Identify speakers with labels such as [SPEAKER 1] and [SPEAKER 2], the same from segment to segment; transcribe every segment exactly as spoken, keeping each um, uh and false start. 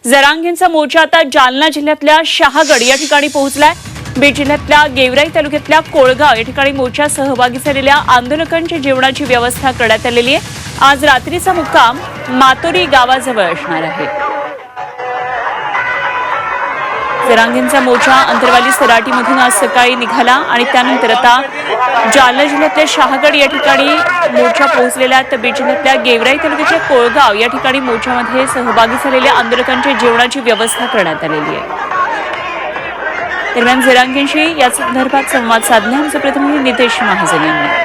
[SPEAKER 1] जरांगेंचा मोर्चा आता जालना जिल्ह्यातल्या शहागड या ठिकाणी पोहोचलाय। बीड जिल्ह्यातल्या गेवराई तालुक्यातल्या कोळगाव या ठिकाणी मोर्चात सहभागी झालेल्या आंदोलकांच्या जेवणाची व्यवस्था करण्यात आलेली आहे। आज रात्रीचा मुक्काम मातोरी गावाजवळ असणार आहे। जरांगेंचा मोर्चा अंतरवाली सराटीमधून आज सकाळी निघाला आणि त्यानंतर आता जालना जिल्ह्यातल्या शहागड या ठिकाणी मोर्चा पोहोचलेला। तर बीड जिल्ह्यातल्या गेवराई तालुक्याच्या कोळगाव या ठिकाणी मोर्चामध्ये सहभागी झालेल्या आंदोलकांच्या जेवणाची व्यवस्था करण्यात आलेली आहे। दरम्यान जरांगेंशी या संदर्भात संवाद साधला आमचे प्रतिनिधी नितेश महाजन यांनी।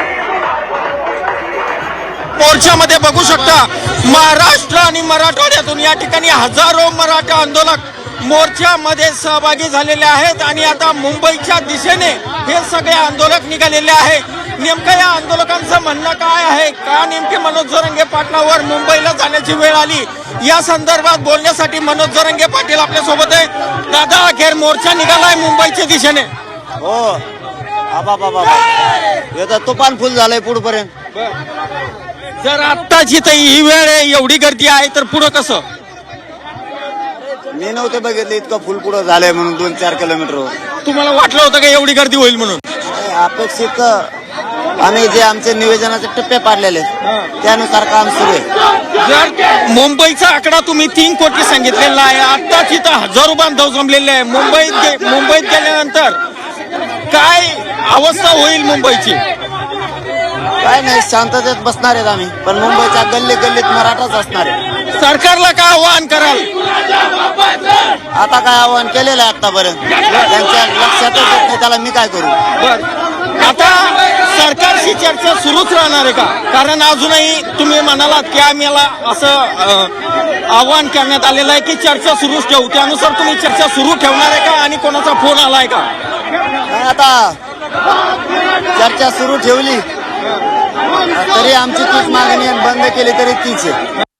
[SPEAKER 2] मोर्चामध्ये बघू शकता महाराष्ट्र आणि मराठवाड्यातून या ठिकाणी हजारो मराठा आंदोलक मोर्चामध्ये सहभागी झालेले आहेत आणि आता मुंबईच्या दिशेने हे सगळे आंदोलक निघालेले आहे। नेमकं या आंदोलकांचं म्हणणं काय आहे, का नेमके मनोज जरांगे पाटलावर मुंबईला जाण्याची वेळ आली, या संदर्भात बोलण्यासाठी मनोज जरांगे पाटील आपल्या सोबत आहे। दादा, अखेर मोर्चा निघालाय मुंबईच्या दिशेने।
[SPEAKER 3] हो आबा बाबा हे तर तुफान फुल झालंय पुढपर्यंत।
[SPEAKER 2] जर आत्ताची तर ही वेळ आहे, एवढी गर्दी आहे, तर पुढं कसं?
[SPEAKER 3] मी नव्हते बघितले इतकं फुल पुढं झालंय म्हणून दोन चार किलोमीटर।
[SPEAKER 2] तुम्हाला वाटलं होतं का एवढी गर्दी होईल म्हणून?
[SPEAKER 3] अपेक्षित आम्ही जे आमचे नियोजनाचे टप्पे पाडलेले त्यानुसार काम सुरू आहे।
[SPEAKER 2] जर मुंबईचा आकडा तुम्ही तीन कोटी सांगितलेला आहे, आत्ताच इथं हजारो बांधव जमलेले आहे। मुंबईत गे- मुंबईत गेल्यानंतर काय अवस्था होईल मुंबईची?
[SPEAKER 3] काय नाही, शांततेत बसणार आहेत आम्ही, पण मुंबईच्या गल्ली गल्लीत मराठाच असणार आहे।
[SPEAKER 2] सरकारला काय आवाहन कराल?
[SPEAKER 3] आता काय आव्हान केलेलं आहे आतापर्यंत, त्यांच्या लक्षातच येत नाही, त्याला मी काय करू?
[SPEAKER 2] बर, आता सरकारशी चर्चा सुरूच राहणार आहे का? कारण अजूनही तुम्ही म्हणालात की आम्हाला असं अं, आवाहन करण्यात आलेलं आहे की चर्चा सुरूच ठेवू, त्यानुसार तुम्ही चर्चा सुरू ठेवणार आहे का आणि कोणाचा फोन आलाय का?
[SPEAKER 3] नाही, आता चर्चा सुरू ठेवली तरी आमची तीच मागणी आहे, बंद केली तरी तीच आहे।